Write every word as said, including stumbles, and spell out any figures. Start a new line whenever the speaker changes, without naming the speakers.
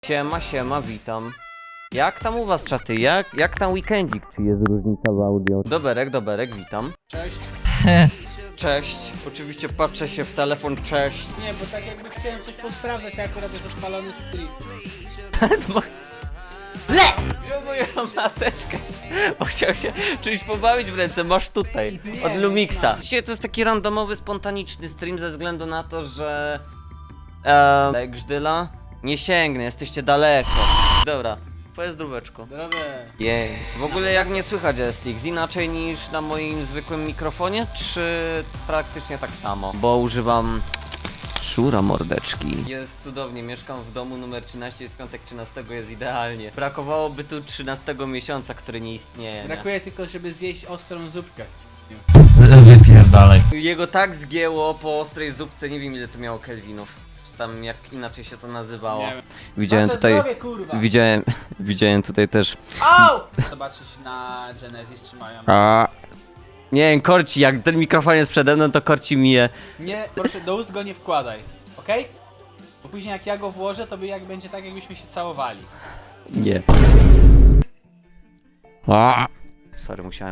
Siema, siema, witam. Jak tam u was, czaty? Jak, jak tam weekendzik? Czy jest różnica w audio? Doberek, doberek, witam.
Cześć.
Cześć. Oczywiście patrzę się w telefon, cześć.
Nie, bo tak jakby chciałem coś posprawdzać, a akurat jest odpalony stream.
Le! Wziął moją maseczkę, bo chciał się czymś pobawić w ręce, masz tutaj, od Lumixa. Dzisiaj to jest taki randomowy, spontaniczny stream ze względu na to, że... Eee... Grzdyla? Nie sięgnę, jesteście daleko. Dobra, pozdróweczko.
Drogę.
Jej. W ogóle jak nie słychać S T X? Inaczej niż na moim zwykłym mikrofonie, czy praktycznie tak samo? Bo używam... Szura mordeczki. Jest cudownie, mieszkam w domu numer trzynaście, jest piątek trzynastego, jest idealnie. Brakowałoby tu trzynastego miesiąca, który nie istnieje. Nie?
Brakuje tylko, żeby zjeść ostrą zupkę.
Wypierdalaj.
Jego tak zgięło po ostrej zupce, nie wiem ile to miało kelwinów. Czy tam jak inaczej się to nazywało.
Nie wiem.
Widziałem
Wasze
tutaj...
zdrowie, kurwa.
Widziałem... Widziałem tutaj też...
Au! Zobaczyć na Genesis czy mają.
A... Nie wiem, korci, jak ten mikrofon jest przede mną, to korci mi je.
Nie, proszę, do ust go nie wkładaj, okej? Bo później jak ja go włożę, to by jak będzie tak, jakbyśmy się całowali.
Nie. A. Sorry, musiałem.